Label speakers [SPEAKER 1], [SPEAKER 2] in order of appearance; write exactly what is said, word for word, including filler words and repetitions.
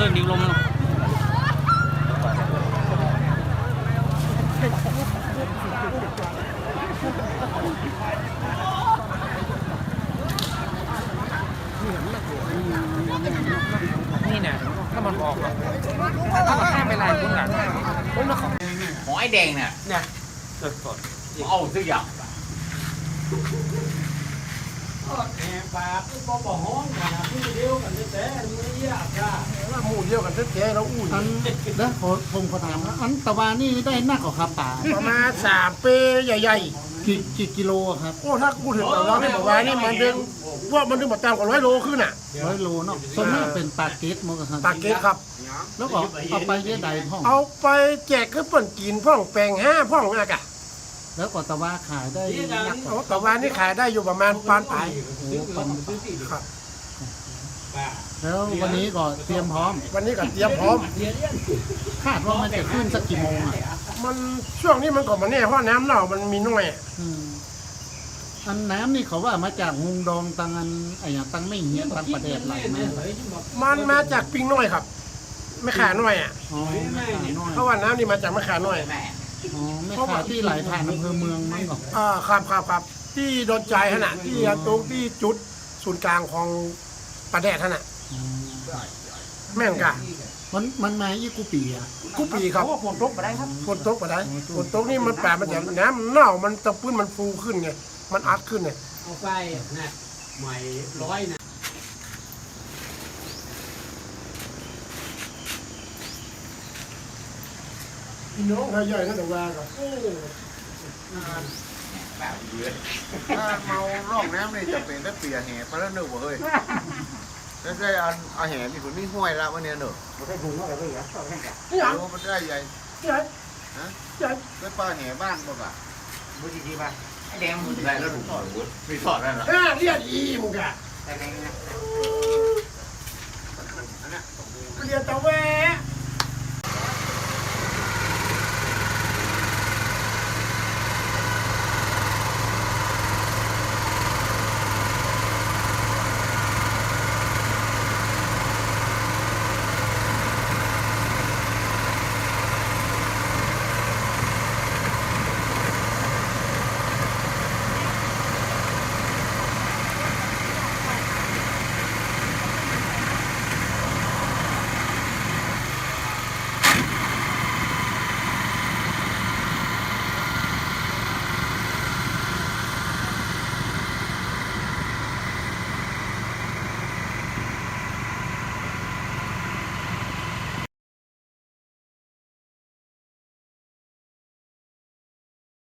[SPEAKER 1] รื่องดิวลมนี่เนี่ยถ้ามันออกอ่ะถ้ามันข้ามไปลายพุ่งหลังพุ่งแล้วของของไอ้แดงเนี่ยเนี่ยสดสดเอาซื้ออย่าง
[SPEAKER 2] แอบปากก็บอกห้องนะผู้เดียวกันแต่ไม่ยากจ้าว่าหมู่เดียวกันแท้ๆแล้วอู้อันแล้วผมขอถามว่าอันตะวันนี่ได้นักกว่าครับป่าประมาณสามปีใหญ่ๆกี่กี่กิโลครับโอ้ถ้าพูดถึงตะวันนี่บอกว่านี่มันดึงว่ามันดึงมาตามกว่าร้อยโลขึ้นอ่ะร้อยโลเนาะส่วนมากเป็นปลาเกตมั้งครับปลาเกตครับแล้วก็เอาไปเยอะใดพ่องเอาไปแจกคือเปิ่นกินพ่องแปลงห้าพ่องอะไรกะแล้วก็ตะวันขายได้นักตะวันนี่ขายได้อยู่ประมาณปานปลายครับแล้ววันนี้ก็เตรียมพร้อมวันนี้ก็เตรียมพร้อมคาดว่ามันจะขึ้นสักกี่โมงอ่ะมันช่วงนี้มันก็มาแน่เพราะน้ำเน่ามันมีน้อยอันน้ำนี่เขาว่ามาจากฮุงดองตังอันไอ้อย่างตังไม่เหี้ยตังประเดชไหลแม่มันมาจากปิงน้อยครับไม่ขาน้อยอ่ะเพราะว่าน้ำนี่มาจากมะขาน้อยอ๋อไม่ขาที่ไหลผ่านอำเภอเมืองมั้งก่อนอ่าครับครับครับที่โดนใจขนาดที่ตรงที่จุดศูนย์กลางของประเดชขนาดแม่งกะมันมันมายี่กุปีอ่ะกุปีครับฝนตกมาได้ครับฝนตกมาได้ฝนตกนี่มันแปลมันจะน้ำเน่ามันตะพื้นมันฟูขึ้นไงมันอัดขึ้นไงเอาไฟนะใหม่ร้อยนะพี่น้องใหญ่ๆนั่นแต่ว่าก็โอ้แบบเยอะถ้าเมาร่องน้ำนี่จะเป็นได้เปียแห่เพราะแล้วหนึ่งบ่เฮ้ยแล้วได้เอาเอาแห่มีคนนี่ห้วยละวันนี้หนึ่งมันได้ถุงเท่าไหร่ก็เหรอชอบแค่ไหนโอ้มันได้ใหญ่ใหญ่ฮะใหญ่ได้ปลาแห่บ้านบ่กะบุญดีป่ะไอ้แดงมึงได้แล้วถุงถอดบุญมีถอดได้หรอเเรียกอีมึงกะแต่แดงนะเรียกตะแวะ